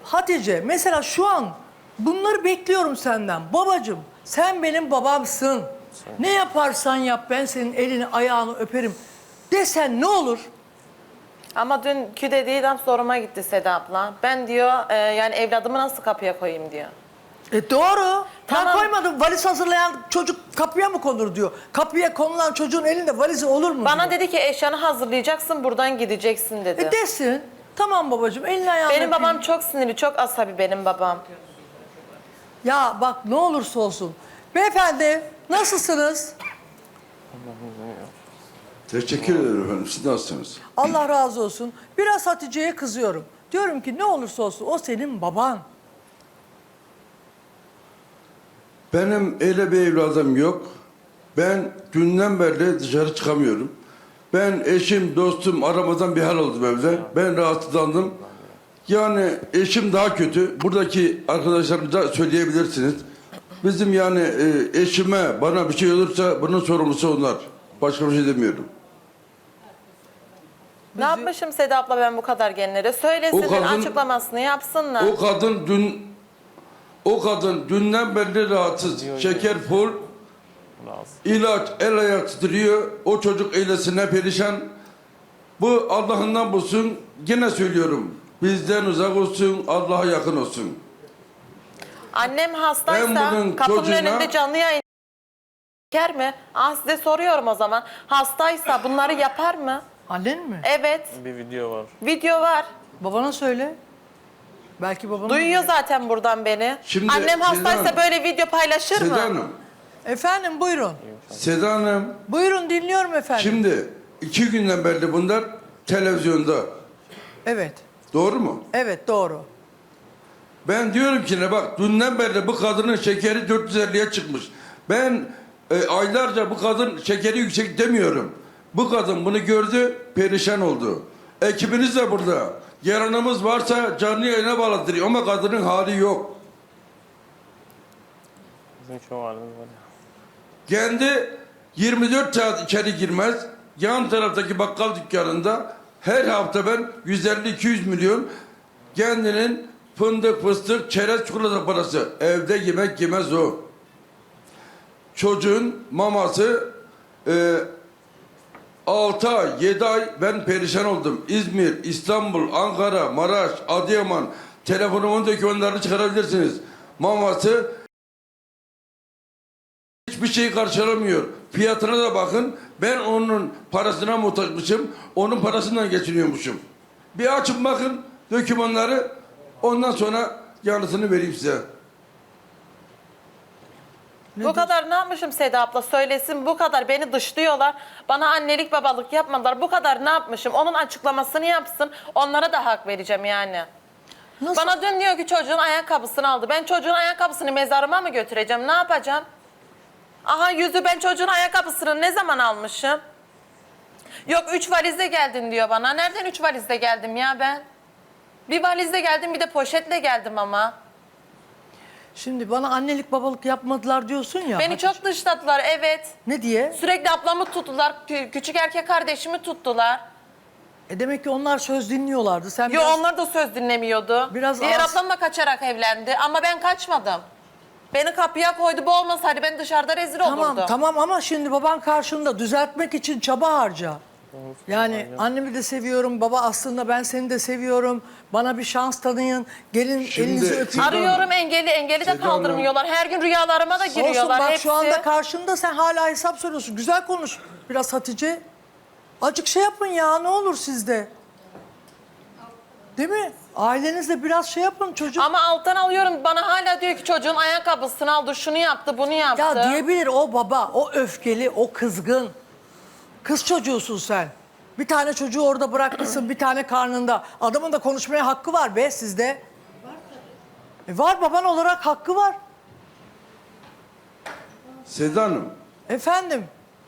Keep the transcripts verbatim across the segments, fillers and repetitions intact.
Hatice mesela şu an bunları bekliyorum senden. Babacığım sen benim babamsın. Ne yaparsan yap ben senin elini ayağını öperim desen ne olur? Ama dünkü dediğinden soruma gitti Seda abla. Ben diyor e, yani evladımı nasıl kapıya koyayım diyor. E doğru. Ben Tamam. koymadım. Valiz hazırlayan çocuk kapıya mı konur diyor. Kapıya konulan çocuğun elinde valizi olur mu Bana diyor. dedi ki eşyanı hazırlayacaksın buradan gideceksin dedi. E desin. Tamam babacığım elini ayağını Benim öpeyim. babam çok sinirli, çok asabi benim babam. Ya bak ne olursa olsun. Beyefendi nasılsınız? Teşekkür ederim efendim. Siz nasılsınız? Allah razı olsun. Biraz Hatice'ye kızıyorum. Diyorum ki ne olursa olsun o senin baban. Benim öyle bir evladım yok. Ben dünden beri dışarı çıkamıyorum. Ben eşim, dostum aramadan bir hal oldum evde. Ben rahatsızlandım. Yani eşim daha kötü. Buradaki arkadaşlarımıza söyleyebilirsiniz. Bizim yani e, eşime, bana bir şey olursa bunun sorumlusu onlar. Başka bir şey demiyorum. Ne yapmışım Seda abla ben bu kadar genlere? Söylesin, O kadın- açıklamasını yapsınlar. O kadın dün o kadın dünden beri rahatsız. Şeker full. İlaç el ayak titriyor. O çocuk eylesine perişan. Bu Allah'ından bulsun. Gene söylüyorum. Bizden uzak olsun, Allah'a yakın olsun. Annem Ben hastaysa bunun kapının çocuğuna- önünde canlı yayın çeker mi? Ah size soruyorum o zaman. Hastaysa bunları yapar mı? Annen mi? Evet. Bir video var. Video var. Babana söyle. Belki babana... Duyuyor zaten buradan beni. Şimdi Annem Seda hastaysa Hanım- böyle video paylaşır Seda mı? Hanım, Efendim buyurun. Seda Hanım, Buyurun dinliyorum efendim. şimdi iki günden beri bunlar televizyonda. Evet. Doğru mu? Evet doğru. Ben diyorum ki ne bak dünden beri bu kadının şekeri dört yüz elliye çıkmış. Ben e, aylarca bu kadın şekeri yüksek demiyorum. Bu kadın bunu gördü, perişan oldu. Ekibiniz de burada. Yaranımız varsa canlı yayına bağlatır ama kadının hali yok. Bizim şu halimiz var ya. Kendi yirmi dört saat içeri girmez. Yan taraftaki bakkal dükkanında her hafta ben yüz elli iki yüz milyon kendinin fındık, fıstık, çerez, çikolata parası. Evde yemek yemez o. Çocuğun maması e, altı ay, yedi ay ben perişan oldum. İzmir, İstanbul, Ankara, Maraş, Adıyaman telefonumun dokümanlarını çıkarabilirsiniz. Maması hiçbir şey karşılamıyor. Fiyatına da bakın. Ben onun parasına muhtaçmışım. Onun parasından geçiniyormuşum. Bir açın bakın dokümanları. Ondan sonra yanıtını vereyim size. Bu kadar ne yapmışım Seda abla söylesin, bu kadar beni dışlıyorlar. Bana annelik babalık yapmadılar. Bu kadar ne yapmışım? Onun açıklamasını yapsın. Onlara da hak vereceğim yani. Nasıl? Bana dün diyor ki çocuğun ayakkabısını aldı. Ben çocuğun ayakkabısını mezarıma mı götüreceğim? Ne yapacağım? Aha yüzü ben çocuğun ayakkabısını ne zaman almışım? Yok üç valizle geldin diyor bana. Nereden üç valizle geldim ya ben? Bir valizle geldim bir de poşetle geldim ama. Şimdi bana annelik babalık yapmadılar diyorsun ya. Beni Hatice. çok dışladılar evet. Ne diye? Sürekli ablamı tuttular. kü- Küçük erkek kardeşimi tuttular. E demek ki onlar söz dinliyorlardı. Sen Yo biraz... onlar da söz dinlemiyordu. Biraz Diğer az- ablam da kaçarak evlendi ama ben kaçmadım. Beni kapıya koydu bu olmasaydı ben dışarıda rezil Tamam olurdum. tamam ama şimdi baban karşında düzeltmek için çaba harca. Yani annemi de seviyorum, baba aslında ben seni de seviyorum. Bana bir şans tanıyın, gelin Şimdi- elinizi öpün. Arıyorum engeli, engeli de Seda Hanım. kaldırmıyorlar. Her gün rüyalarıma da Olsun giriyorlar bak hepsi. şu anda karşında sen hala hesap soruyorsun. Güzel konuş biraz Hatice. Acık şey yapın ya ne olur sizde. Değil mi? Ailenizle biraz şey yapın çocuk. Ama alttan alıyorum bana hala diyor ki çocuğun ayakkabısını aldı, şunu yaptı, bunu yaptı. Ya diyebilir o baba, o öfkeli, o kızgın. Kız çocuğusun sen. Bir tane çocuğu orada bırakmışsın, bir tane karnında. Adamın da konuşmaya hakkı var be sizde. E var baban olarak hakkı var. Seda Hanım, Efendim.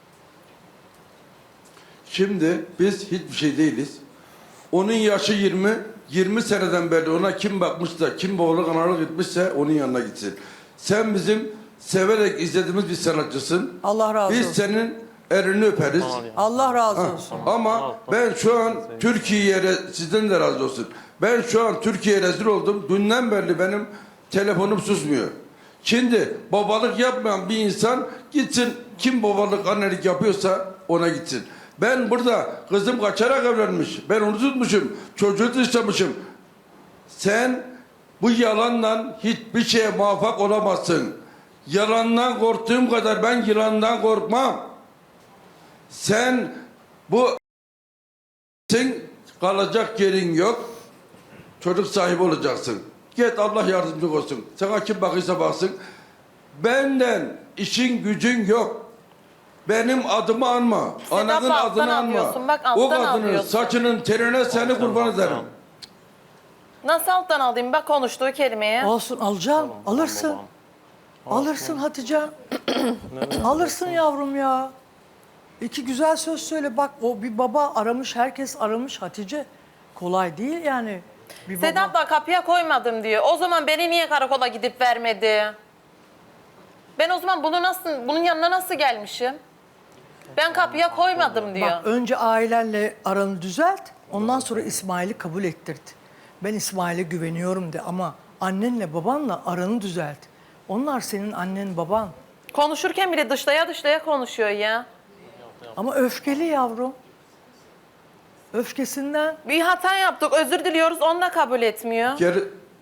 şimdi biz hiçbir şey değiliz. Onun yaşı yirmi, yirmi seneden beri ona kim bakmışsa, kim boğuluk analık etmişse onun yanına gitsin. Sen bizim severek izlediğimiz bir sanatçısın. Allah razı Biz olsun. senin elini öperiz. Allah razı Ha, olsun. Ama ben şu an Türkiye'ye, re- sizden de razı olsun. Ben şu an Türkiye'ye rezil oldum. Dünden beri benim telefonum susmuyor. Şimdi babalık yapmayan bir insan gitsin, kim babalık annelik yapıyorsa ona gitsin. Ben burada kızım kaçarak evlenmiş. Ben onu tutmuşum. Çocuğu dışlamışım. Sen bu yalanla hiçbir şeye muvaffak olamazsın. Yalandan korktuğum kadar ben yılandan korkmam. Sen bu sen kalacak yerin yok. Çocuk sahibi olacaksın. Git, Allah yardımcı olsun. Sana kim bakırsa baksın. Benden işin gücün yok. Benim adımı anma. Ananın alttan adını anma. alıyorsun, bak O alttan kadının alıyorsun. saçının terine seni kurban ederim. Nasıl alttan alayım? Bak konuştuğu kelimeye. Olsun, alacaksın. Alırsın. Alırsın Hatice. Alırsın yavrum ya. İki güzel söz söyle. Bak, o bir baba aramış, herkes aramış Hatice. Kolay değil yani. Bir baba. Sedat da kapıya koymadım diyor. O zaman beni niye karakola gidip vermedi? Ben o zaman bunu nasıl, bunun yanına nasıl gelmişim? Ben kapıya koymadım diyor. Bak, önce ailenle aranı düzelt. Ondan sonra İsmail'i kabul ettirdi. Ben İsmail'e güveniyorum de, ama annenle babanla aranı düzelt. Onlar senin annen baban. Konuşurken bile dışlaya dışlaya konuşuyor ya. Ama öfkeli yavrum. Öfkesinden. Bir hata yaptık, özür diliyoruz, onu da kabul etmiyor. Geri...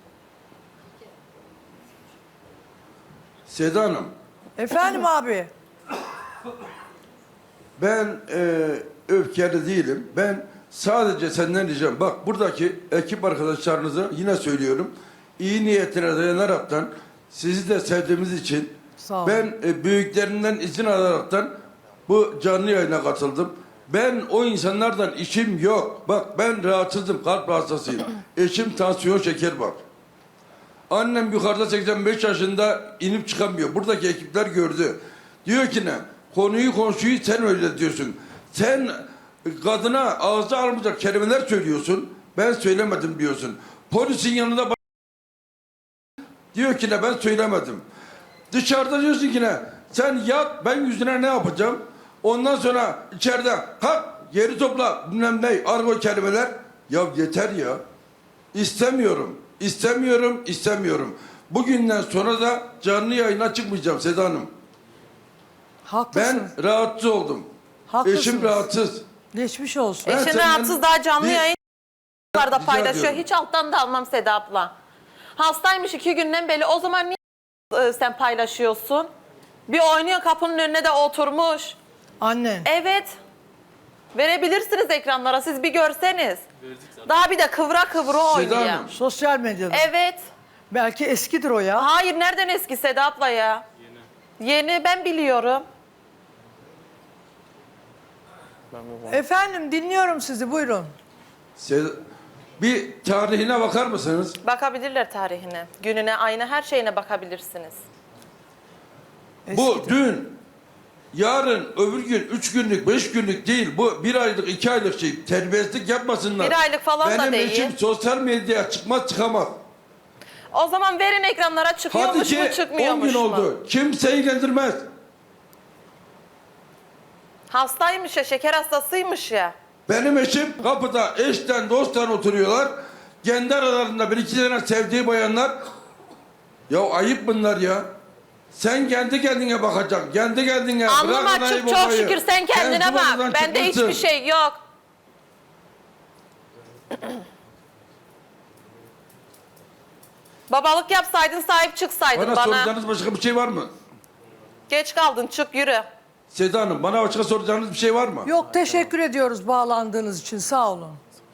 Seda Hanım, Efendim abi. ben e, öfkeli değilim. Ben sadece senden diyeceğim. Bak, buradaki ekip arkadaşlarınıza yine söylüyorum. İyi niyetine dayanaraktan, sizi de sevdiğimiz için Sağ olun. ben e, büyüklerinden izin alaraktan bu canlı yayına katıldım. Ben o insanlardan işim yok. Bak, ben rahatsızım, kalp hastasıyım. Eşim tansiyon şeker var. Annem yukarıda seksen beş yaşında, inip çıkamıyor. Buradaki ekipler gördü. Diyor ki ne? Konuyu komşuyu sen öyle diyorsun. Sen kadına ağza almayacak kelimeler söylüyorsun. Ben söylemedim diyorsun. Polisin yanında ba- diyor ki ne, ben söylemedim. Dışarıda diyorsun ki ne? Sen yat, ben yüzüne ne yapacağım? Ondan sonra içeride kalk, geri topla, bilmem ne, argo kelimeler. Ya yeter ya. İstemiyorum. İstemiyorum, istemiyorum. Bugünden sonra da canlı yayına çıkmayacağım Seda Hanım. Haklısın. Ben rahatsız oldum. Haklısınız. Eşim rahatsız. Geçmiş olsun. Ben Eşin senden rahatsız, daha canlı bir- yayınlarda Rica paylaşıyor. ediyorum. Hiç alttan da almam Seda abla. Hastaymış iki günden beri. O zaman niye e, sen paylaşıyorsun? Bir oynuyor, kapının önüne de oturmuş. Annen. Evet. Verebilirsiniz ekranlara, siz bir görseniz. Daha bir de kıvra kıvra oynuyor. Hanım. Sosyal medyada. Evet. Belki eskidir o ya. Hayır, nereden eski Seda abla ya? Yeni. Yeni, ben biliyorum. Ben bir bana- Efendim, dinliyorum sizi, buyurun. Seda, bir tarihine bakar mısınız? Bakabilirler tarihine, gününe, ayına, her şeyine bakabilirsiniz. Bu Eskidir. dün, yarın, öbür gün, üç günlük, beş günlük değil. Bu bir aylık, iki aylık şey. Terbiyesizlik yapmasınlar. Bir aylık falan da Benim değil. eşim sosyal medyaya çıkmaz çıkamaz. O zaman verin ekranlara, Hadi çıkıyormuş ki mu on çıkmıyormuş gün mu? oldu. Kimseyi ilgilendirmez. Hastaymış ya, şeker hastasıymış ya. Benim eşim kapıda eşten dosttan oturuyorlar. Kendi aralarında bir iki tane sevdiği bayanlar. Ya ayıp bunlar ya. Sen kendi kendine bakacaksın. Kendi kendine. Alnım Bırak anayı açık, çok babayı. şükür, sen kendine Sen bak. sıvazından Bende çıkmışsın. hiçbir şey yok. Babalık yapsaydın, sahip çıksaydın Bana, bana. soracağınız başka bir şey var mı? Geç kaldın, çık yürü. Seda Hanım, bana başka soracağınız bir şey var mı? Yok, teşekkür ediyoruz bağlandığınız için, sağ olun.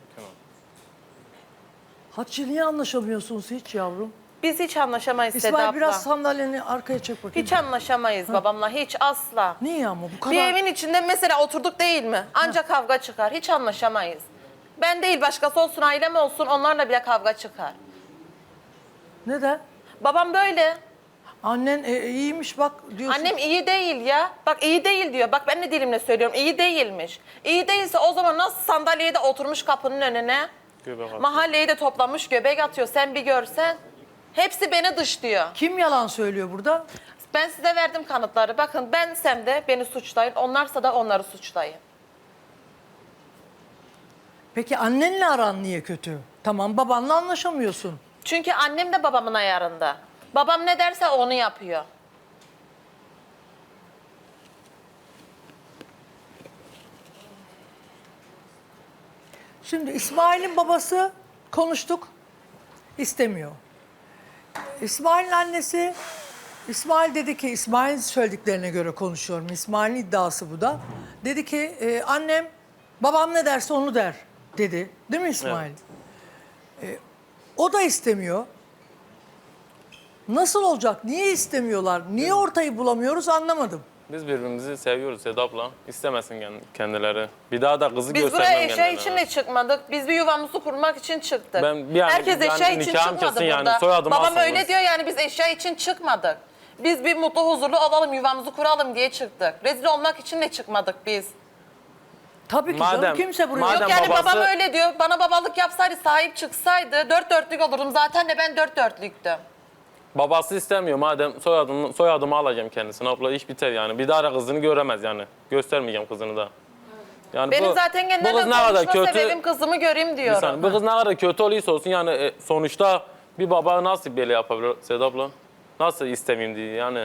Hatice, niye anlaşamıyorsunuz hiç yavrum? Biz hiç anlaşamayız Seda İsmail, abla. biraz sandalyeni arkaya çek bakayım. Hiç anlaşamayız babamla, hiç asla. Niye ama bu kadar? Bir evin içinde mesela oturduk değil mi? Ancak kavga çıkar. Hiç anlaşamayız. Ben değil, başkası olsun, ailem olsun, onlarla bile kavga çıkar. Neden? Babam böyle. Annen e, iyiymiş bak diyorsun. Annem iyi değil ya. Bak iyi değil diyor. Bak ben de dilimle söylüyorum. İyi değilmiş. İyi değilse o zaman nasıl sandalyeye de oturmuş kapının önüne? Göbek atıyor. Mahalleyi de toplamış göbek atıyor. Sen bir görsen. Hepsi beni dışlıyor. Kim yalan söylüyor burada? Ben size verdim kanıtları. Bakın bensem de beni suçlayın, onlarsa da onları suçlayın. Peki annenle aran niye kötü? Tamam, babanla anlaşamıyorsun. Çünkü annem de babamın ayarında. Babam ne derse onu yapıyor. Şimdi İsmail'in babası konuştuk, istemiyor. İsmail'in annesi, İsmail dedi ki, İsmail'in söylediklerine göre konuşuyorum. İsmail'in iddiası bu da. Dedi ki e, annem babam ne derse onu der dedi. Değil mi İsmail? E, o da istemiyor. Nasıl olacak? Niye istemiyorlar? Niye ortayı bulamıyoruz anlamadım. Biz birbirimizi seviyoruz Sedap'la. İstemesin kend- kendileri. Bir daha da kızı Biz göstermem buraya eşya kendilerine. için de çıkmadık. Biz bir yuvamızı kurmak için çıktık. Ben bir an- Herkes yani eşya için nikahım çıkmadı kesin yani, burada. soyadımı Babam alsanız. öyle diyor yani biz eşya için çıkmadık. Biz bir mutlu huzurlu olalım, yuvamızı kuralım diye çıktık. Rezil olmak için de çıkmadık biz. Tabii ki Madem- canım, kimse buraya... madem- Yok yani babası- babam öyle diyor. Bana babalık yapsaydı, sahip çıksaydı dört dörtlük olurdum. Zaten de ben dört dörtlüktüm. Babası istemiyor madem soyadımı, soyadımı alacağım kendisine. Abla iş biter yani. Bir daha da kızını göremez yani. Göstermeyeceğim kızını da. Yani Benim bu- zaten bu genelde kız ne kadar konuşma kötü, sebebim kızımı göreyim bir diyorum. saniye, bu kız ne kadar kötü olursa olsun yani e, sonuçta bir baba nasıl böyle yapabilir Sedap'la? Nasıl istemeyeyim diye yani.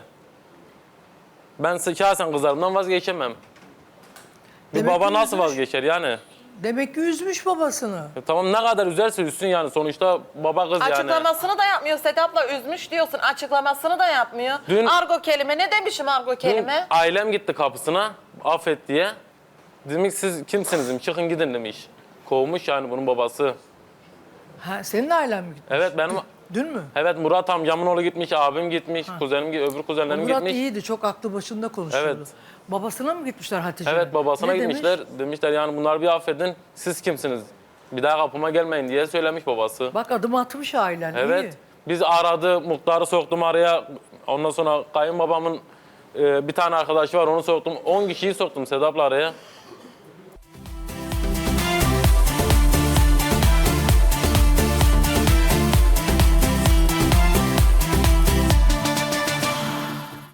Ben şahsen kızlarımdan vazgeçemem. Bir Demek baba ki nasıl üzülmüş. vazgeçer yani? Demek ki üzmüş babasını. E, tamam ne kadar üzerse üzsün yani sonuçta baba kız yani. Açıklamasını da yapmıyor Sedap'la üzmüş diyorsun. Açıklamasını da yapmıyor. Dün- argo kelime ne demişim argo Dün kelime? ailem gitti kapısına affet diye. Demiş siz kimsiniz demiş çıkın gidin demiş. Kovmuş yani bunun babası. Ha, senin ailen mi gitti? Evet benim Dün mü? evet Murat amcamın oğlu gitmiş, abim gitmiş, kuzenim öbür kuzenlerim Murat gitmiş. iyiydi, çok aklı başında konuşuyordu. Evet. Babasına mı gitmişler Hatice'ye? Evet babasına Ne gitmişler. demiş? Demişler yani bunları bir affedin. Siz kimsiniz? Bir daha kapıma gelmeyin diye söylemiş babası. Bak adım atmış ailen, Evet. iyi. Biz aradı, muhtarı soktum araya. Ondan sonra kayınbabamın e, bir tane arkadaşı var onu soktum. on kişiyi soktum Sedap'la araya.